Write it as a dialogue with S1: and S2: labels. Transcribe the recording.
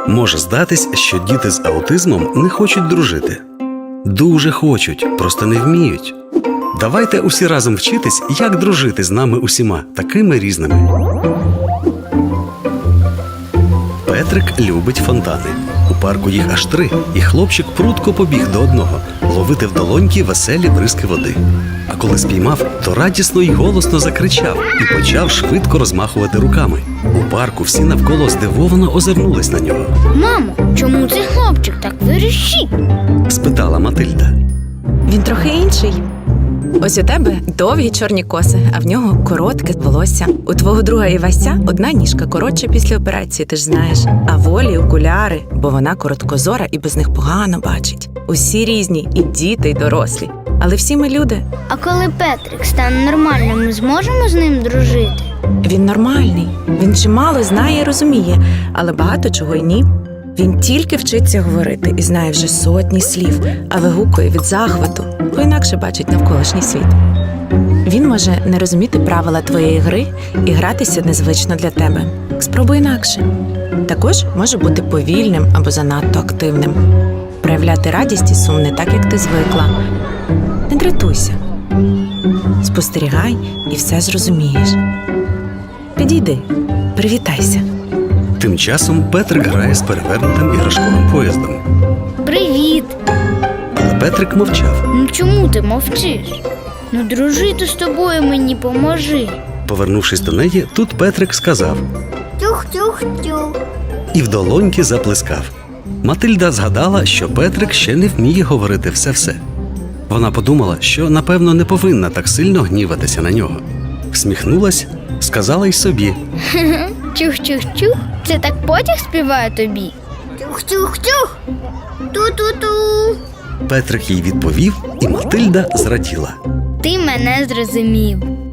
S1: Може здатись, що діти з аутизмом не хочуть дружити. Дуже хочуть, просто не вміють. Давайте усі разом вчитись, як дружити з нами усіма, такими різними. Петрик любить фонтани. У парку їх аж 3, і хлопчик прудко побіг до одного ловити в долоньки веселі бризки води. А коли спіймав, то радісно й голосно закричав і почав швидко розмахувати руками. У парку всі навколо здивовано озирнулись на нього.
S2: Мамо, чому цей хлопчик так вирішить?
S1: Спитала Матильда.
S3: Він трохи інший. Ось у тебе довгі чорні коси, а в нього коротке волосся. У твого друга Івася одна ніжка коротша після операції, ти ж знаєш. А Волі окуляри, бо вона короткозора і без них погано бачить. Усі різні, і діти, і дорослі. Але всі ми люди.
S2: А коли Петрик стане нормальним, ми зможемо з ним дружити?
S3: Він нормальний, він чимало знає і розуміє, але багато чого й ні. Він тільки вчиться говорити і знає вже сотні слів, а вигукує від захвату, бо інакше бачить навколишній світ. Він може не розуміти правила твоєї гри і гратися незвично для тебе. Спробуй інакше. Також може бути повільним або занадто активним. Проявляти радість і сум не так, як ти звикла. Не дратуйся. Спостерігай і все зрозумієш. Підійди, привітайся.
S1: Тим часом Петрик грає з перевернутим іграшковим поїздом.
S2: Привіт!
S1: Але Петрик мовчав.
S2: Ну чому ти мовчиш? Ну дружити з тобою мені поможи.
S1: Повернувшись до неї, тут Петрик сказав
S2: Тюх-тюх-тюх.
S1: і в долоньки заплескав. Матильда згадала, що Петрик ще не вміє говорити все-все. Вона подумала, що, напевно, не повинна так сильно гніватися на нього. Всміхнулась, сказала й собі.
S2: Тюх-тюх-тюх. Це так потяг співає тобі? Тюх-тюх-тюх. Ту-ту-ту.
S1: Петрик їй відповів, і Матильда зраділа.
S2: Ти мене зрозумів.